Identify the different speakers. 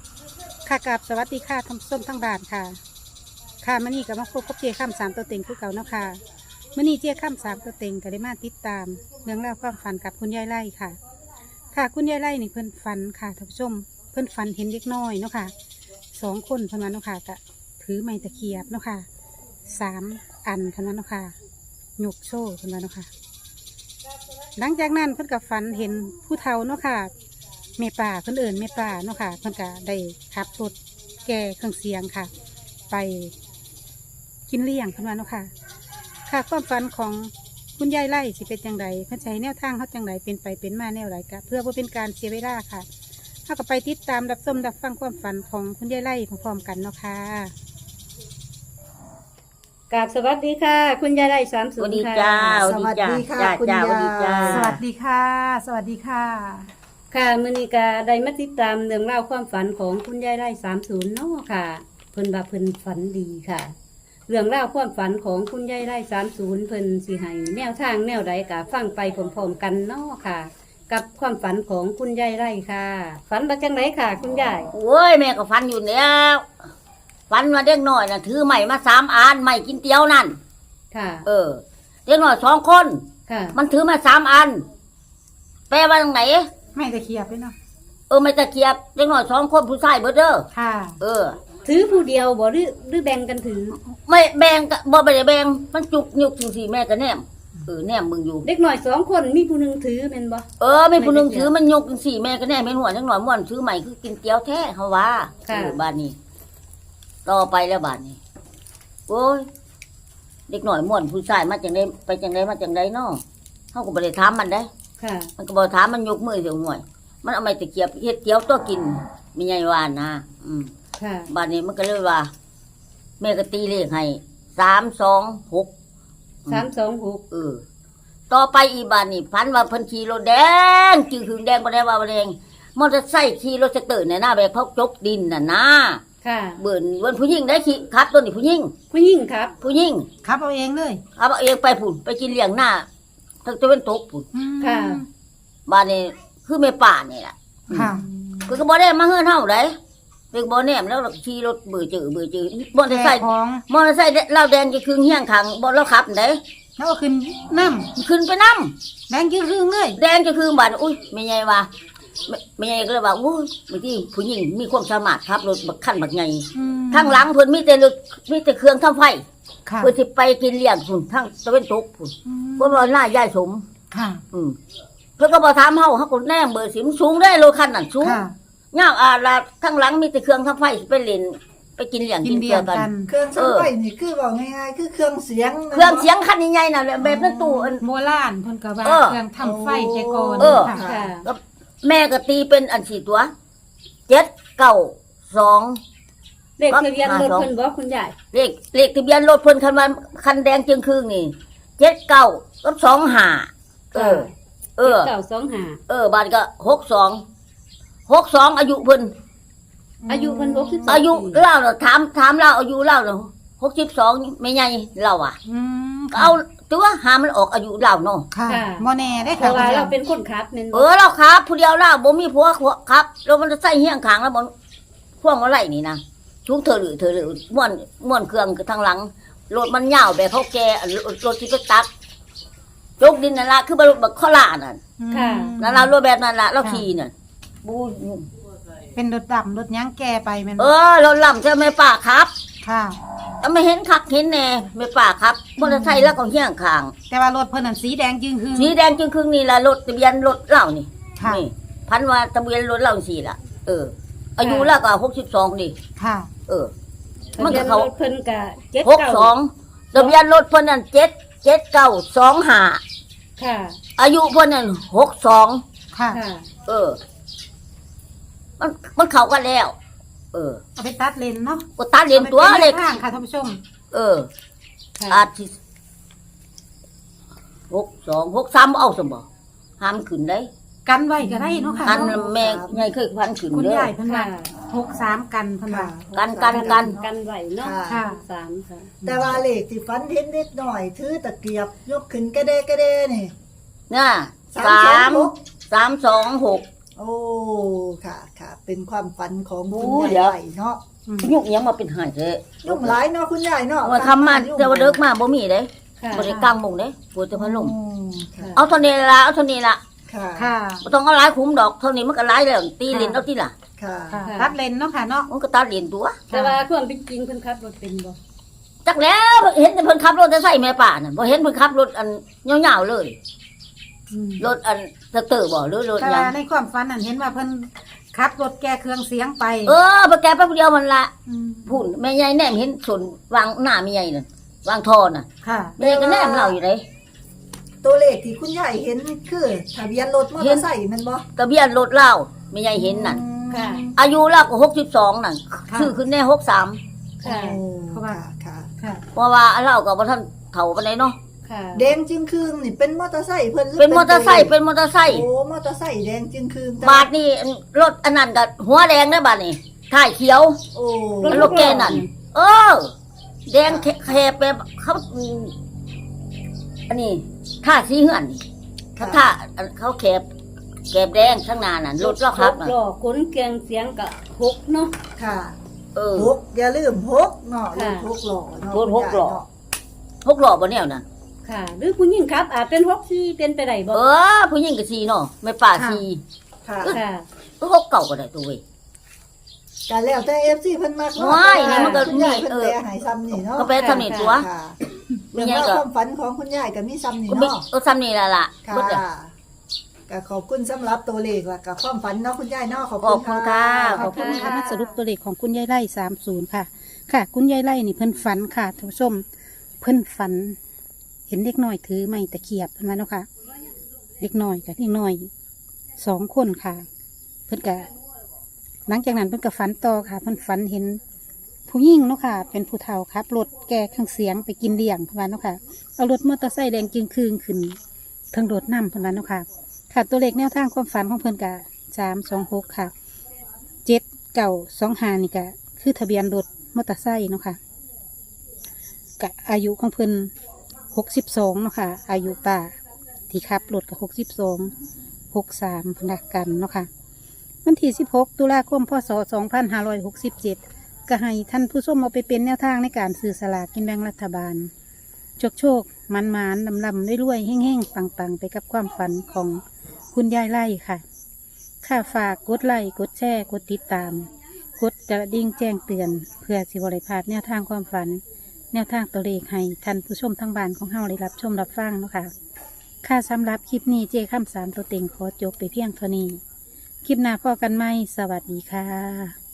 Speaker 1: ค่ะกับสวัสดีค่ะท่านผู้ชมทั้งบ้านค่ะค่ะมื่อนี้ก็มาพบกับเจ้าข้ามสามตัวเต็งคือเก่าเนาะค่ะมื่อนี้เจ้าข้ามสามตัวเต็งก็ได้มาติดตามเรื่องราวความฝันกับคุณยายไล่ค่ะ ค่ะคุณยายไล่นี่เพิ่นฝันค่ะท่านผู้ชมเพิ่นฝันเห็นเด็กน้อยเนาะค่ะ2 คนเพิ่นว่าเนาะค่ะก็ถือไม้ตะเคียบเนาะค่ะ3 อันเพิ่นว่าเนาะค่ะยกโซ่เพิ่นว่าเนาะค่ะหลังจากนั้นเพิ่นก็ฝันเห็นผู้เฒ่าเนาะค่ะแม่ป่าเพิ่นเอิ่นแม่ป่าเนาะค่ะเพิ่นก็ได้ขับรถแก่เครื่องเสียงค่ะ ไปกินเลี้ยงเพิ่นว่าเนาะค่ะค่ะความฝันของคุณยายไล่สิเป็นจังไดเพิ่นใช้แนวทางเฮาจังไดเป็นไปเป็นมาแนวไรกะเพื่อบ่เป็นการเสียเวลาค่ะเฮาก็ไปติดตามรับชมรับฟังความฝันของคุณยายไล่พร้อมๆกันเนาะค่ะกราบสวัสดีค่ะ คุณยายไล่30
Speaker 2: สวัสดี
Speaker 1: ค่ะ
Speaker 2: จ้า
Speaker 3: สวัสดีค่ะ
Speaker 2: จ้า
Speaker 3: คุณ
Speaker 2: จ้าย
Speaker 3: าย
Speaker 2: สวัสดีจ้า
Speaker 1: สวัสดีค่ะ สวัสดีค่ะ ค่ะมื้อนี้ก็ได้มาติดตามเรื่องราวความฝันของคุณยายไล่30เนาะค่ะเพิ่นว่าเพิ่นฝันดีค่ะ เรื่องราวความฝันของคุณยายไร่30เพิ่นสิให้แนวทางแนวใดกะฟังไปพร้อมๆกันเนาะค่ะ กับความฝันของคุณยายไร่ค่ะ ฝันว่าจังไดค่ะ คุณยาย
Speaker 2: โอ้ยแม่ก็ฟันอยู่แล้วฟันมาเด็กน้อยน่ะถือไม้มา3 อันไม้กินเตี๋ยวนั่น
Speaker 1: ค่ะ
Speaker 2: เด็กน้อย2 คน
Speaker 1: ค่ะ
Speaker 2: มันถือมา3 อันแปลว่าตรงไหน
Speaker 1: ไม่ตะเคียบเลยเนาะ
Speaker 2: ไม่ตะเกียบเด็กน้อย2 คนผู้ชายเบิดเด้อ
Speaker 1: ค่ะ
Speaker 2: ถื
Speaker 1: อผู้เดียวบ่หรือแบ่งกันถือ
Speaker 2: ไม่แบ่งก็บ่ได้แบ่งมันจุกยุกจังซี่แม่ก็แนมแนมมึงอยู่
Speaker 1: เด็กน้อย2 คนมีผู้หนึงถือแม่นบ่
Speaker 2: มีผู้หนึงถือมันยกจังซี่แม่ก็แนมเป็นหัวจังหน่อยม่วนถือไม้คือกินเตี๋ยวแท้เฮาว่าบ้านนี้ต่อไปแล้วบ้านนี้โอ้ยเด็กน้อยม่วนผู้ชายมาจังได๋ไปจังได๋มาจังได๋เนาะเฮาก็บ่ได้ถามมันเด้
Speaker 1: ค่ะ
Speaker 2: มันก็บอกถามมันยกมือเสียงหน่วย มันเอาไม้ตะเกียบเฮ็ดเตี๋ยวตัวกินมีไงว่านะ
Speaker 1: ค่ะ
Speaker 2: บ้านนี้มันก็เลยว่า แม่ก็ตีเลขให้326
Speaker 1: 326
Speaker 2: ต่อไปอีบ้านนี้พันว่าเพิ่นขี่รถแดงจื้อหึงแดงบ่ได้ว่าบ่แดงมอเตอร์ไซค์ขี่รถสเตอร์เนี่ยนะแบบเขาจกดินน่ะนะ
Speaker 1: ค่ะ
Speaker 2: เบิ่นวันผู้หญิงได้ขี่ครับตัวนี้ผู้หญิง
Speaker 1: ผู้หญิงครับ
Speaker 2: ผู้หญิง
Speaker 1: ครับเอาเองเลย
Speaker 2: เอาเองไปพุ่นไปกินเลี้ยงหน้าทั้งตะวันตกพุ่น
Speaker 1: ค่ะ
Speaker 2: บ้านนี้คือแม่ป่านี่ล่ะ
Speaker 1: ค่ะ
Speaker 2: คือก็บ่ได้มาเฮือนเฮาได้เป็นบ่แนมแล้วขี่รถเบื่อจื้อมอเตอร์ไซค์เราแดงจะคืนเฮียงขังบ่เราขับได้
Speaker 1: แล้วก็ขึ้นน้
Speaker 2: ขึ้นไปนำ
Speaker 1: ำแดงยืดรึ่งเลย
Speaker 2: แดงจะคืนบ้านอุ้ยแม่ใหญ่ว่าแม่ใหญ่ก็เลยว่าโอ้ยบางทีผู้หญิงมีความสามารถขับรถบักคันบักใหญ่ทางหลังเพิ่นมีแต่รถมีแต่เครื่องทำไฟ
Speaker 1: ค่ะ
Speaker 2: เพิ่นสิไปกินเลี้ยงพุ่นทางตะวันตกพุ่นเพิ่นว่าหน้ายายสม
Speaker 1: ค่ะ
Speaker 2: เพิ่นก็บ่ถามเฮาก็แนมเบอร์สิมสูงได้รถคันนั้นสูง
Speaker 1: ค่ะ
Speaker 2: ยาวลาทั้งหลังมีแต่เครื่องทำไฟไปเล่นไปกินเลี้ยงกินเกลือกัน
Speaker 3: เครื่องซักไฟนี่คือบอกง่ายๆคือเครื่องเสียง
Speaker 2: เครื่องเสียงคันใหญ่ๆน่ะแบบนั้นตู้อัน
Speaker 1: โบราณเพิ่นก็ว่า
Speaker 2: เออ
Speaker 1: เครื่องทำไฟแต่ก่อน
Speaker 2: เออ
Speaker 1: ค่ะ
Speaker 2: ก็แม่ก็ตีเป็นอัน4 ตัว792
Speaker 1: เลขทะเบียนรถเพิ่นบ่คุณยาย
Speaker 2: เลขทะเบียนรถเพิ่นคันแดงจึงครึ่งนี่79กับ25บ้านก็62อายุเพิ่น
Speaker 1: อายุเพิ่น62
Speaker 2: อายุเล่าน่ะถามเล่าอายุเล่าน่ะ62ไม่ใหญ่เล่าอ่ะก็เอาตัวหามันออกอายุเล่าเนาะ
Speaker 1: ค่ะบ่แน่ได้ค่ะเพราะว่าเราเป็นคนขับแม่นบ่
Speaker 2: เราครับผู้เดียวเล่าบ่มีผัวครับแล้วมันจะใส่เฮียงขางแล้วบ่พวงอะไรนี่นะชุงเธอหรือม่วนเครื่องทางหลังรถมันยาวแบบเขาแก่รถที่ไปตักยกดินนั่นล่ะคือรถบักข้อล่านั่น
Speaker 1: ค่ะ
Speaker 2: นั่นล่ะรถแบบนั้นล่ะเราขี่น่ะบู
Speaker 1: เป็นรถดำรถยั้งแก่ไปแม่น
Speaker 2: รถล่ำจะไม่ป่าครับ
Speaker 1: ค่ะ
Speaker 2: ไม่เห็นคักเห็นแน่ไม่ป่าครับมอเตอร์ไซค์แล้วก็เฮี้ยงข้าง
Speaker 1: แต่ว่ารถเพิ่นนั่นสีแดงจึงคือ
Speaker 2: สีแดงจึงครึ่งนี่ล่ะรถทะเบียนรถเล่านี่
Speaker 1: ค่ะ
Speaker 2: นี่พันว่าทะเบียนรถเล่าสิล่ะอายุแล้วก็62นี่
Speaker 1: ค่ะ
Speaker 2: มันก็เขา
Speaker 1: ทะบียนรถเพิ่นก็
Speaker 2: 62ทะเบียนรถเพิ่นนั่น7925
Speaker 1: ค่ะ
Speaker 2: อายุเพิ่นนั่น62
Speaker 1: ค่ะ
Speaker 2: มันเข้ากันแล้ว
Speaker 1: เอาไปตัดเลนเนาะ
Speaker 2: ก็ตัดเรียนตัวเลข
Speaker 1: ข้างค่ะท่านผู้ชม
Speaker 2: อาทิตย์62 63เอาซะบ่ห้ามขึ้นได้
Speaker 1: กันไว้ก็ได้เนาะค่ะ
Speaker 2: กันแม่ใหญ่เคยพันขึ้น
Speaker 1: คุณ
Speaker 2: เด้อย
Speaker 1: ายเพิ่นว่า63กันเพิ่นว่า
Speaker 2: กัน
Speaker 1: ไว้เนาะ
Speaker 3: ค่ะ
Speaker 1: 3ค่ะ
Speaker 3: แต่ว่าเลขที่ฝันเห็นนิดหน่อยถือตะเกียบยกขึ้นกระเดนี่
Speaker 2: น่ะ
Speaker 3: 326
Speaker 2: 326
Speaker 3: โอ้ค่ะค่ะเป็นความฝันของ
Speaker 2: โอ้
Speaker 3: คุณ
Speaker 2: เดี๋
Speaker 3: ยา
Speaker 2: ยว
Speaker 3: ยไล่เนาะ
Speaker 2: ยุกยังมาเป็นหายเถอะ
Speaker 3: ยุ่งหลายเนาะคุณยายเนาะ
Speaker 2: ว่าคำมาแต่ว่าเลิกมาบ่มีเด้
Speaker 4: ค่ะ
Speaker 2: บ่ได้กลางมุงเด้ปวดแต่พัดลม
Speaker 3: ค่ะ
Speaker 2: เอาเท่านี้ละเอาเท่านี้ละ
Speaker 3: ค่ะ
Speaker 1: ค่ะ
Speaker 2: บ่ต้องเอาหลายคุ้มดอกเท่านี้มันก็หลายแล้วตีเลนเอาที่ล่ะ
Speaker 3: ค่ะ
Speaker 1: ค่ะตัดเลนเนาะค่ะเนาะ
Speaker 2: มันก็ตัดเลนตัว
Speaker 4: แต่ว่าความเป็นจริงเพิ่นขับรถเป็นบ่
Speaker 2: จักแล้วเห็นแต่เพิ่นขับรถจะใส่แม่ป่าน่ะบ่เห็นเพิ่นขับรถอันยาวๆเลยรถอันเตอร์บ่หรือรถ
Speaker 1: แต่
Speaker 2: หยั
Speaker 1: ว่าง ในความฝันนั้นเห็นว่าเพิ่นขับรถแก้เครื่องเสียงไป
Speaker 2: ไปแกแป๊บเดียวมันละ
Speaker 1: ม
Speaker 2: พุ่นแม่ใหญ่แนมเห็นส่วนวางหน้าแม่ใหญ่นั่นวางทอน่ะ
Speaker 1: ค่ะ
Speaker 2: แม่ก็แนมเราอยู่เลย
Speaker 3: ตัวเลขที่คุณยายเห็นคือทะเบียนรถมอเตอร์ไซค์แมันบ่
Speaker 2: ทะเบียนรถเล่าแม่ใหญ่เห็นนั่น
Speaker 4: ค่ะ
Speaker 2: อายุเราก็62นั่นชื่อขึ้นแน่63
Speaker 4: ค่ะ
Speaker 3: โอ้
Speaker 1: เพราะว่า
Speaker 3: ค่ะ
Speaker 1: ค่ะ
Speaker 2: เพราะว่าเราก็บ่ทันเฒ่าปานใดเนาะ
Speaker 4: ค่ะ
Speaker 3: แดงจึงคืงนี่เป็นมอเตอร์ไซค์เพิ่นหรื
Speaker 2: เป็นมอเตอร์ไซค์เป็นมอเตอร์ไซค์
Speaker 3: โอ้มอเตอร์ไซค์แดงจึงคืง
Speaker 2: บาทนี่รถอันนั้นก็หัวแดงนะบาทนี่ท้ายเขียว
Speaker 3: โอ้
Speaker 2: รถแกนั่นแดงแคบแบบเขาอันนี้ท่าสีเหือนนี่ท่าเขาแคบแดงข้างหน้านั่นรถเราครับน่ะ
Speaker 4: หลอกขนเกียงเสียงกะหกเนาะ
Speaker 3: ค่ะ
Speaker 2: เ
Speaker 3: หกอย่าลืมหกเนาะร
Speaker 4: ค่ะ
Speaker 3: ถหกล้อเนาะ
Speaker 2: รถหกล้อ
Speaker 3: คุณยายเนาะ
Speaker 2: หกล้อบ่แนวน่ะ
Speaker 4: ค่ะ หรือผู้หญิงขับอาจเป็นหกสี่เป็นไปได้บ่
Speaker 2: ผู้หญิงก็สีเนาะไม่ป่าสี
Speaker 3: ค่ะ
Speaker 4: ค่ะ
Speaker 2: หกเก่าก็ได้ตัวเว้ย
Speaker 3: ก็แล้วแต่ FC เพิ่นมักเนาะ
Speaker 2: ว้ายนี่มันก็
Speaker 3: คุณยายเพิ่น
Speaker 2: เออ
Speaker 3: แปลให้ซ้ำนี่เนาะ
Speaker 2: ก็ไปทำนี่ตัว
Speaker 3: ค่ะ
Speaker 2: มี
Speaker 3: เรื่อง
Speaker 2: ไง
Speaker 3: ราว
Speaker 2: ก็
Speaker 3: ความฝันของคุณยายก็มีซ้ำนี่
Speaker 2: ก็ไม่
Speaker 3: เนาะ
Speaker 2: ซ้ำนี่ล่ะ
Speaker 3: ค่ะ
Speaker 2: เบิดเลย
Speaker 3: ก็ขอบคุณสำหรับตัวเลขและกับความฝันเนาะคุณยายเนาะขอบ
Speaker 2: ขอบคุ
Speaker 3: คุณ
Speaker 2: ณค่ะ
Speaker 1: ขอบคุณค่ะมาสรุปตัวเลขของคุณยายไล่30ค่ะ ค่ะ คุณยายไล่นี่เพิ่นฝันค่ะท่านผู้ชมเพิ่นฝัน เห็นเด็กน้อยถือไม้ตะเกียบเพิ่นว่าเนาะค่ะ เด็กน้อยกับเด็กน้อย2 คนค่ะ เพิ่นก็หลังจากนั้นเพิ่นก็ฝันต่อค่ะ เพิ่นฝันเห็นผู้หญิงเนาะค่ะ เป็นผู้เฒ่าครับรถแก่เครื่องเสียงไปกินเลี้ยงเพิ่นว่าเนาะค่ะเอารถมอเตอร์ไซค์แดงจึงคืนขึ้นเทั้งรถน้ำเพิ่นว่าเนาะค่ะ ค่ะตัวเลขแนวทางความฝันของเพิ่นกะ326ค่ะ7-9-2-5นี่กะคือทะเบียนรถมอเตอร์ไซค์เนาะค่ะกะอายุของเพิ่น62เนาะค่ะ อายุป้าที่ขับรถกับ62 63พนักกันเนาะค่ะวันที่16 ตุลาคมพศ2567ก็ให้ท่านผู้ชมเอาไปเป็นแนวทางในการซื้อสลากกินแบ่งรัฐบาล โชคมันลำๆรวยๆแห้งๆปังๆไปกับความฝันของคุณยายไล่ค่ะ ค่าฝากกดไลค์กดแชร์กดติดตาม กดกระดิ่งแจ้งเตือน เพื่อสิบริพลาดแนวทางความฝัน แนวทางตัวเลขให้ท่านผู้ชมทั้งบ้านของเฮาได้รับชมรับฟังเนาะค่ะ ค่าสำหรับคลิปนี้เจ้าข้าม3ตัวเต็งขอจบไปเพียงเท่านี้ คลิปหน้าพอกันไหมสวัสดีค่ะ